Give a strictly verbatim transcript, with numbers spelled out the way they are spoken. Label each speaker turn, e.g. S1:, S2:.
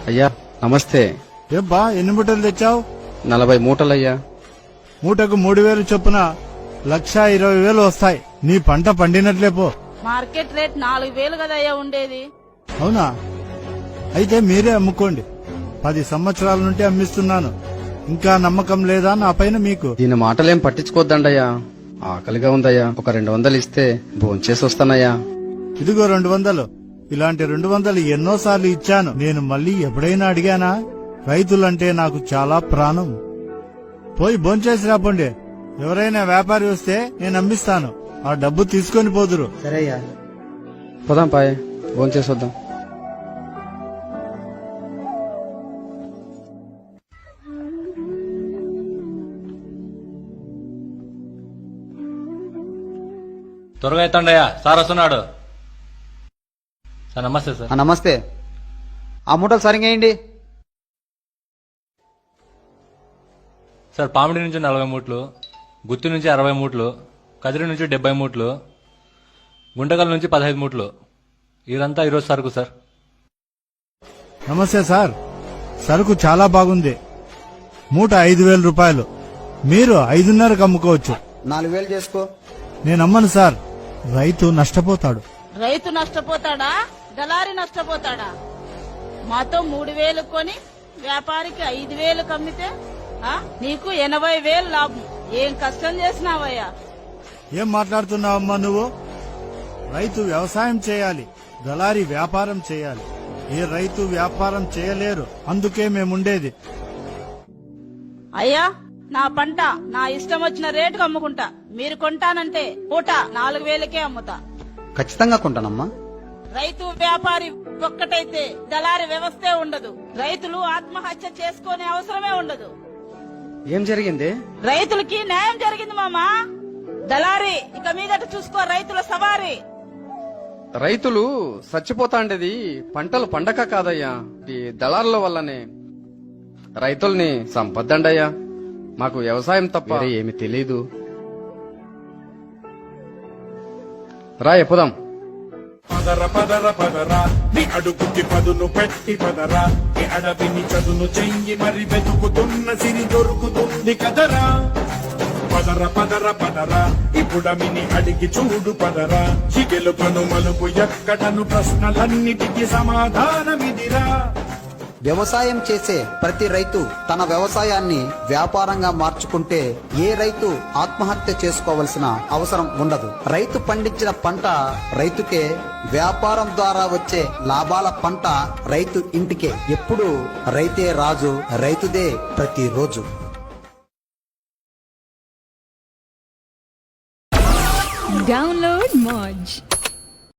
S1: అయ్యా నమస్తే.
S2: ఏబ్బా ఎన్ని మూటలు తెచ్చావు?
S1: నలభై మూటలయ్యా.
S2: మూటకు మూడు వేలు చొప్పున లక్ష ఇరవై వేలు వస్తాయి. నీ పంట పండినట్లే పో.
S3: మార్కెట్ రేట్ నాలుగు వేలు కదయ్యా ఉండేది.
S2: అవునా? అయితే మీరే అమ్ముకోండి. పది సంవత్సరాల నుండి అమ్మిస్తున్నాను. ఇంకా నమ్మకం లేదా నా పైన మీకు?
S1: దీని మాటలేం పట్టించుకోద్దండయ్యా. ఆకలిగా ఉందయ్యా. ఒక రెండు వందలు ఇస్తే భోంచేసి వస్తానయ్యా.
S2: ఇదిగో రెండు వందలు. ఇలాంటి రెండు వందలు ఎన్నోసార్లు ఇచ్చాను. నేను మళ్ళీ ఎప్పుడైనా అడిగానా? రైతులంటే నాకు చాలా ప్రాణం. పోయి భోంచేసి రాపండి. ఎవరైనా వ్యాపారి వస్తే నేను అమ్మిస్తాను. ఆ డబ్బు తీసుకొని పోదురు.
S1: సరే అయ్యా, పోదాం పాయ్, భోంచేసి వద్దాం.
S4: త్వరగా ఎత్తండయ్యా, సార్ వస్తున్నాడు. సార్ నమస్తే సార్.
S5: నమస్తే. ఆ మూటలు సరిగా వేయండి.
S4: సార్ పామిడి నుంచి నలభై మూట్లు, గుత్తి నుంచి అరవై మూట్లు, కదిరి నుంచి డెబ్బై మూట్లు, గుంటకల్ నుంచి పదహైదు మూట్లు. ఇదంతా ఈరోజు సరుకు సార్.
S2: నమస్తే సార్. సరుకు చాలా బాగుంది. మూట ఐదు వేల రూపాయలు. మీరు ఐదున్నరకు అమ్ముకోవచ్చు.
S5: నాలుగు వేలు చేసుకో.
S2: నేనమ్మను సార్. రైతు నష్టపోతాడు.
S3: రైతు నష్టపోతాడా, దళారి నష్టపోతాడా? మాతో మూడు వేలు కొని వ్యాపారికి ఐదు వేలు కమ్మితే ఆ? నీకు ఎనభై వేలు లాభం. ఏం కష్టం చేసినావయ్యా?
S2: ఏం మాట్లాడుతున్నావమ్మా నువ్వు? రైతు వ్యవసాయం చేయాలి, దళారి వ్యాపారం చేయాలి. ఏ రైతు వ్యాపారం చేయలేరు. అందుకే మేముండేది.
S3: అయ్యా, నా పంట నా ఇష్టం వచ్చిన రేటుకు అమ్ముకుంటా. మీరు కొంటానంటే పూట నాలుగు వేలకే అమ్ముతా.
S5: ఖచ్చితంగా కొంటానమ్మా.
S3: రైతు వ్యాపారి ఒక్కటైతే దళారి వ్యవస్థే ఉండదు. రైతులు ఆత్మహత్య చేసుకునే అవసరమే ఉండదు.
S1: ఏం జరిగింది?
S3: రైతులకి న్యాయం జరిగింది మామా. దళారి ఇక మీదట చూసుకో రైతుల సవారీ.
S1: రైతులు చచ్చిపోతాండేది పంటలు పండక కాదయ్యా, ఈ దళారుల వల్లనే. రైతుల్ని సంపద్దండయ్యా. మాకు వ్యవసాయం తప్ప వేరే ఏమి తెలీదు. రా ఎప్పుదాం.
S6: పదర పదర పదరా నీ అడుగుకి పదును పెట్టి పదరా. ఈ అడవిని చదును చెయ్యి మరి వెతుకుతున్న సిరి దొరుకుతుంది కదరా. పదర పదర పదరా ఇప్పుడమిని అడిగి చూడు పదరా. ఈ గెలుపను మలుపు ఎక్కడను ప్రశ్నలన్నిటికీ సమాధానమిదిరా.
S5: వ్యవసాయం చేసే ప్రతి రైతు తన వ్యవసాయాన్ని వ్యాపారంగా మార్చుకుంటే ఏ రైతు ఆత్మహత్య చేసుకోవలసిన అవసరం ఉండదు. రైతు పండించిన పంట రైతుకే, వ్యాపారం ద్వారా వచ్చే లాభాల పంట రైతు ఇంటికే. ఎప్పుడు రైతే రాజు, రైతుదే ప్రతిరోజు.
S7: Download Moj.